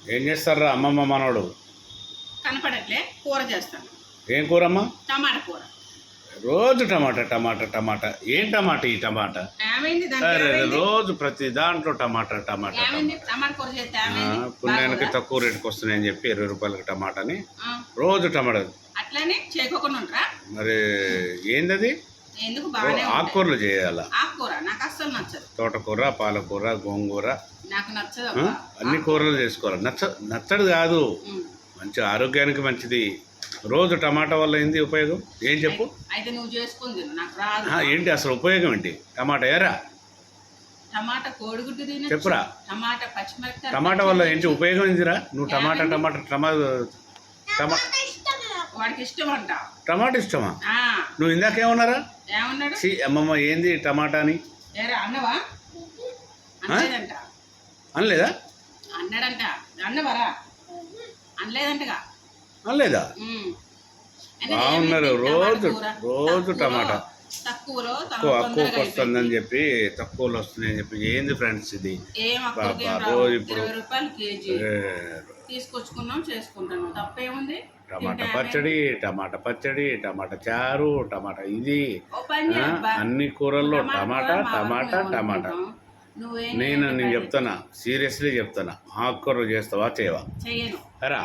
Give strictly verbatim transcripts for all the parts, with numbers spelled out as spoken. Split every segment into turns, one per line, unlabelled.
ఏం చేస్తారా అమ్మమ్మ మనోడు?
కనపడట్లే కూర చేస్తాను.
ఏం కూరమ్మా?
టమాటా కూర.
రోజు టమాటా టమాటా టమాటా. ఏం టమాటా ఈ టమాటా?
ఏమైంది
అరే రోజు ప్రతి దాంట్లో టమాటా టమాటా
ఏమైంది? టమాటా కూర చేస్తే ఏమైంది?
పుణ్యానికి తక్కువ రేటుకి వస్తున్నాయని చెప్పి ఇరవై రూపాయలకి టమాటాని రోజు టమాటా.
అట్లనే చేయకోకుండా ఉంటారా?
మరి ఏందది?
ఎందుకు బాగానే
ఆకుకూరలు చేయాలా?
ఆకుకూర నాకు అస్సలు నచ్చదు.
తోటకూర, పాలకూర, గోంగూర
నాకు నచ్చదు.
అన్ని కూరలు చేసుకోవాలి. నచ్చ నచ్చడు కాదు, మంచి ఆరోగ్యానికి మంచిది. రోజు టమాటా వల్ల ఏంది ఉపయోగం? ఏం చెప్పు.
అయితే నువ్వు చేసుకుంది నాకు రాదు.
ఏంటి అసలు ఉపయోగం ఏంటి? టమాటా ఏరా?
టమాటా కోడిగుడ్డు తిన
చెప్పురా.
టమాటా పచ్చిమిరపకాయ.
టమాటా వల్ల ఏంటి ఉపయోగం ఏందిరా? నువ్వు టమాటా టమాటా టమాటా టమా
వాడికి ఇష్టం అంట.
టమాటా ఇష్టమా? నువ్వు ఇందాకేమన్నారా?
ఏమన్నాడు?
సి అమ్మమ్మ ఏంది టమాటా అని
ఏరా అన్నవా? అనలేదంట.
అనలేదా?
అన్నాడంట. అన్నవరా? అనలేదంటగా.
అనలేదా? బాగున్నారు. రోజు రోజు టమాటా
తక్కువలో
తక్కువకి వస్తుందని చెప్పి, తక్కువలో వస్తున్నాయని చెప్పి. ఏంది ఫ్రెండ్స్ ఇది? రోజు ఇప్పుడు
రూపాయలు కేజీ తీసుకొచ్చుకున్నాం, చేసుకుంటాను. తప్పేముంది?
టమాటా పచ్చడి, టమాటా పచ్చడి, టమాటా చారు, టమాటా ఇది అన్ని కూరల్లో టమాటా టమాటా టమాటా. నేను నేను చెప్తానా, సీరియస్లీ చెప్తానా, ఆకుకూరలు చేస్తావా చేయవా? అరా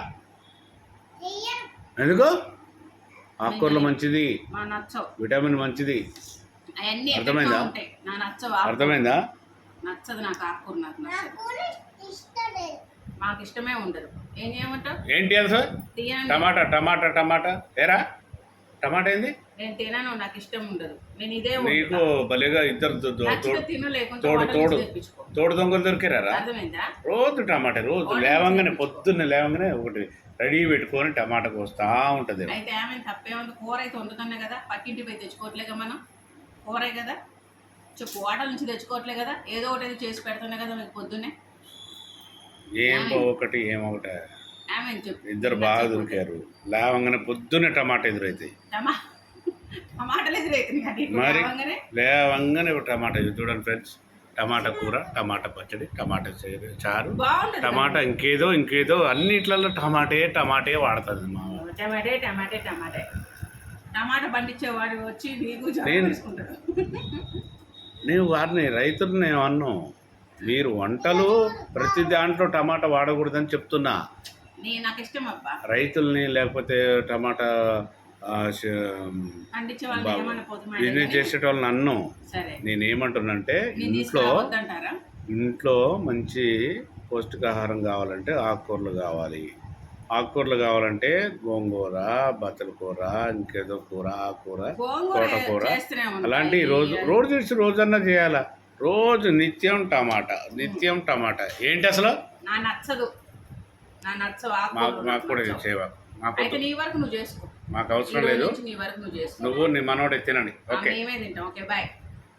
ఎందుకు? ఆకుకూరలు మంచిది, విటమిన్ మంచిది. అర్థమైందా? అర్థమైందా?
నచ్చదు నాకు ఆకుకూర. నాకు నచ్చదు. మాకు ఇష్టమే ఉండదు. ఏం చేయమంటావు?
ఏంటి అసలు? టమాటా టమాటా టమాటా ఏరా? టమాటా ఏంది?
నేను తినను, నాకు ఇష్టం ఉండదు. నేను ఇదే
నీకు భలేగా ఇద్దరు తోడు తోడు తోడు దొంగలు దొరికారా?
అర్థమైందా?
రోజు టమాటా, రోజు లేవంగానే పొద్దున్న లేవంగానే ఒకటి రెడీ పెట్టుకొని టమాటా కోస్తా ఉంటది.
అయితే ఏమైనా తప్పేముంది? కూర అయితే వండుతున్నా కదా, పక్కింటి పోయి తెచ్చుకోవట్లేగా మనం. కూరే కదా, చెప్పు. హోటల్ నుంచి తెచ్చుకోవట్లే కదా, ఏదో ఒకటి చేసి పెడుతున్నా కదా మీకు పొద్దున్నే.
ఏం ఒకటి ఏమొకటి ఇద్దరు బాగా దొరికారు. లేవంగానే పొద్దున్నే టమాటా ఎదురైతాయి. మరి లేవంగానే టమాటా ఇది చూడండి ఫ్రెండ్స్. టమాటా కూర, టమాటా పచ్చడి, టమాటా చారు, టమాటా ఇంకేదో ఇంకేదో అన్నిట్లలో టమాటే టమాటే వాడుతుంది మా.
టమాటే టమాటే టమాటే టమాటా పండించేవాడు వచ్చి
నేను నేను వారిని రైతులు నేను అన్నాను, మీరు వంటలు ప్రతి దాంట్లో టమాటా వాడకూడదని చెప్తున్నా. రైతుల్ని లేకపోతే టమాటా బిజినెస్ చేసేటోళ్ళని అన్ను. నేనేమంటున్నానంటే ఇంట్లో ఇంట్లో మంచి పౌష్టికాహారం కావాలంటే ఆకుకూరలు కావాలి. ఆకుకూరలు కావాలంటే గోంగూర, బచ్చల కూర, ఇంకేదో కూర, ఆకుకూర, తోటకూర అలాంటివి రోజు రోజు చేసి రోజన్నా చేయాలా. రోజు నిత్యం టమాటా, నిత్యం టమాటా. ఏంటి అసలు? మాకు మాకు కూడా చేయవా? మాకు అవసరం లేదు. నువ్వు నీ మనోడు తినండి. ఓకే.